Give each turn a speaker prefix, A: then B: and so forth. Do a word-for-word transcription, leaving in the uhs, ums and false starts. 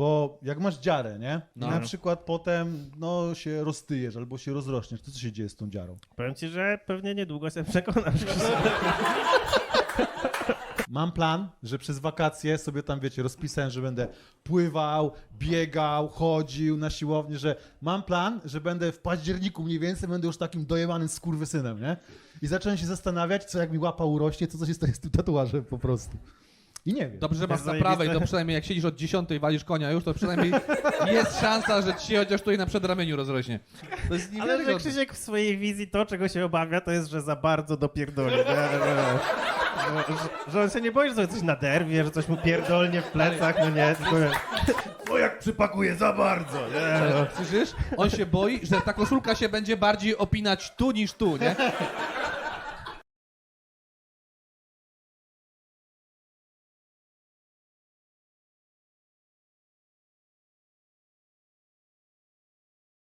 A: Bo jak masz dziarę, nie? I
B: No.
A: na przykład potem no się roztyjesz albo się rozrośniesz, to co się dzieje z tą dziarą?
C: Powiem ci, że pewnie niedługo się przekonasz.
A: Mam plan, że przez wakacje sobie tam, wiecie, rozpisałem, że będę pływał, biegał, chodził na siłownię, że mam plan, że będę w październiku mniej więcej, będę już takim dojebanym skurwysynem, nie? I zacząłem się zastanawiać, co jak mi łapa urośnie, to co się stanie z tym tatuażem po prostu. I nie wiem.
B: Dobrze, że masz
C: To
B: na
C: jest
B: prawej, to
C: zajebiste.
B: przynajmniej jak siedzisz od dziesiątej, walisz konia już, to przynajmniej jest szansa, że ci się chociaż tutaj na przedramieniu rozrośnie. To jest
C: Ale że
B: niewiarygodne.
C: Krzysiek w swojej wizji to, czego się obawia, to jest, że za bardzo dopierdoli. nie? Że, że, że on się nie boi, że sobie coś naderwie, że coś mu pierdolnie w plecach, no nie, tylko o jak przypakuje za bardzo, nie? No.
B: Słyszysz? On się boi, że ta koszulka się będzie bardziej opinać tu niż tu, nie?